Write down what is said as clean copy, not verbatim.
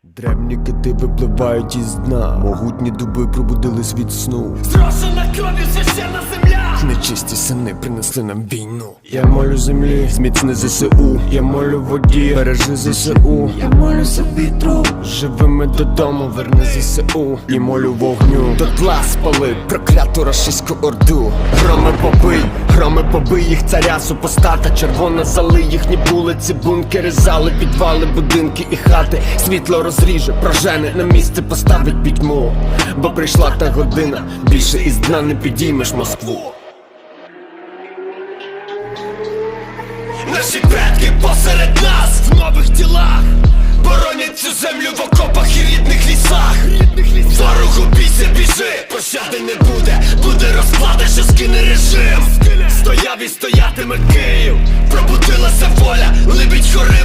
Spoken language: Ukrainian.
Древні кити випливають із дна, могутні дуби пробудились від сну. Зрошена кров'ю священна земля. Нечисті сини принесли нам війну. Я молю землі, зміцни ЗСУ. Я молю воді, бережи ЗСУ. Я молюся вітру, живими додому, верни ЗСУ. І молю вогню, дотла спали прокляту рашистську орду. Громи побий їх царя, супостата червона зали. Їхні вулиці, бункери, зали, підвали, будинки і хати. Світло розріже, прожене, на місце поставить пітьму. Бо прийшла та година, більше із дна не підіймеш Москву. Наші предки посеред нас в нових тілах боронять цю землю в окопах і рідних лісах. Ворогу бійся, біжи, пощади не буде. Буде розплата, що скине режим. Стояв і стоятиме Київ, пробудилася воля, либідь хори